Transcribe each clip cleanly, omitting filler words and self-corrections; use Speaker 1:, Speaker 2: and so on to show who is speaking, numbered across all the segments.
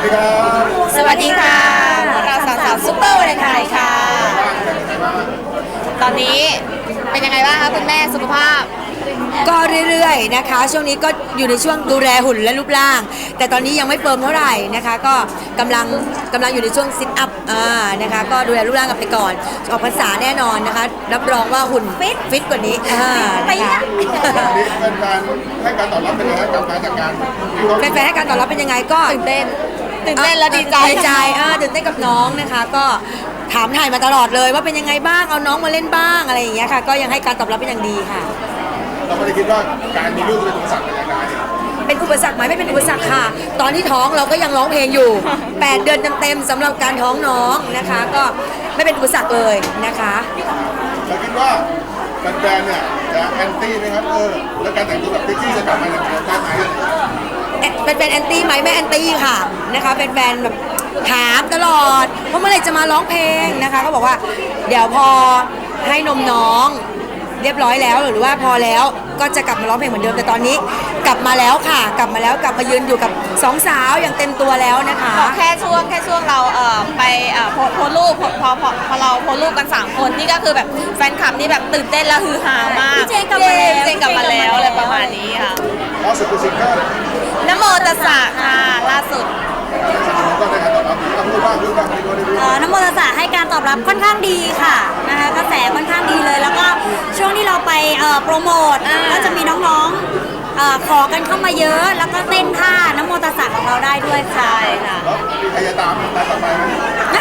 Speaker 1: ดีครับ
Speaker 2: สวัสดีค่ะเราสาวซุปเปอร์วาเลนไทน์ค่ะ ตอนนี้เป็นยังไงบ้างคะคุณแม่สุขภาพ
Speaker 3: ก็เรื่อยๆนะคะช่วงนี้ก็อยู่ในช่วงดูแลหุ่นและรูปร่าง แต่ตอนนี้ยังไม่เฟิร์มเท่าไหร่นะคะก็กำลังอยู่ในช่วงซิทอัพนะคะก็ดูแลรูปร่างกันไปก่อนออกพรรษาแน่นอนนะคะรับรองว่าหุ่นฟิตกว่านี้นะคะ
Speaker 1: วันนี้เป็นการให้การตอบรับเป็นยังไงกับการจัดการ
Speaker 3: แฟนๆให้การตอบรับเป็นยังไงก็
Speaker 2: ตื่นเต้นและดีใจ
Speaker 3: ตื่นเต้นกับน้องนะคะก็ถามถ่ายมาตลอดเลยว่าเป็นยังไงบ้างเอาน้องมาเล่นบ้างอะไรอย่างเงี้ยค่ะก็ยังให้การตอบรับเป็นอย่างดีค่ะ
Speaker 1: เราไม่ได้คิดว่าการมีลูกเป็นอุปสรรคอะไร
Speaker 3: เป็นอุปสรรคไหมไม่เป็นอุปสรรคค่ะตอนที่ท้องเราก็ยังร้องเพลงอยู่ 8 เดือนเต็มๆสำหรับการท้องน้องนะคะก็ไม่เป็นอุปสรรคเลยนะคะ
Speaker 1: เราคิดว่าแฟนๆเนี่ยจะแอนตี้ไหมครับแล้วการแต่งตัวแบบเซ็กซี่จะกลับมาอย่างไรได้ไหม
Speaker 3: เป็นแฟนแอนตี้ไหมไม่แอนตี้ค่ะนะคะเป็นแฟนแบบถามตลอดว่าเมื่อไหร่จะมาร้องเพลงนะคะก็บอกว่าเดี๋ยวพอให้นมน้องเรียบร้อยแล้วหรือว่าพอแล้วก็จะกลับมาร้องเพลงเหมือนเดิมแต่ตอนนี้กลับมาแล้วค่ะกลับมายืนอยู่กับสองสาวอย่างเต็มตัวแล้วนะคะ
Speaker 2: บอกแค่ช่วงเราไปโพสรูปพอเราโพสรูปกัน3คนนี่ก็คือแบบแฟนคลับนี่แบบตื่นเต้นและฮือฮามาก
Speaker 3: เจนกลับมาแล้ว
Speaker 2: เจนกลับมาแล้วอะไรประมาณนี้ค่ะ
Speaker 1: ล่าสุดคือซิงเกิล
Speaker 2: นโมตัสสะค่ะล่าสุด
Speaker 1: ก็ได้การตอบรับดีพูดบ้างไม่รู้
Speaker 4: น้ำมนต์ศาสตร์ให้การตอบรับค่อนข้างดีค่ะนะคะกระแสค่อนข้างดีเลย แล้วก็ช่วงที่เราไปโปรโมทก็จะมีน้องๆขอกันเข้ามาเยอะ แล้วก็เต้นท่าน้ำมนต์ศาสตร์ของเราได้ด้วยค่ะ
Speaker 2: ใช่ค่ะ
Speaker 1: แล้วมีใครจะตามต่อไปไหม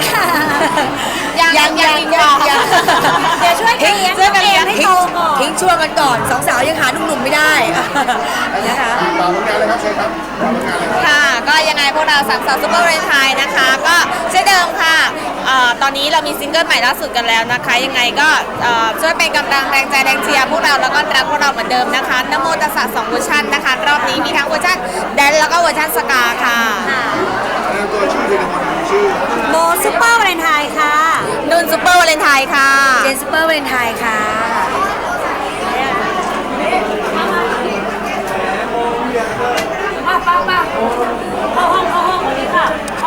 Speaker 2: ยังดีกว่า
Speaker 4: เดี๋ยวช่วยกันเลี้ยงตัวเองให้โตก่อน
Speaker 3: ทิ้งช่วงกันก่อนสองสาวยังหาหนุ่มๆไม่ได้นะคะ
Speaker 1: ฝากผลงานเลยครับเชิญครับฝากผลงานเลยครับ
Speaker 2: ค่ะก็ยังไงพวกเราสามสาวซุปเปอร์วาเลนไทน์นะคะก็เช่นเดิมค่ะตอนนี้เรามีซิงเกิลใหม่ล่าสุดกันแล้วนะคะยังไงก็ช่วยเป็นกำลังแรงใจแรงเชียร์พวกเราแล้วก็รักพวกเราเหมือนเดิมนะคะนโมตัสสะ2เวอร์ชันนะคะรอบนี้มีทั้งเวอร์ชันแดนแล้วก็เวอร์ชันสกาค่ะ
Speaker 1: แนะนำตัวชื่อทีละคนชื่อ
Speaker 4: โบซุปเปอร์วาเลนไทน์ค่ะ
Speaker 2: นุ่นซุปเปอร์วาเลนไทน์ค่ะ
Speaker 3: เจนซูเปอร์วาเลนไทน์ค่ะ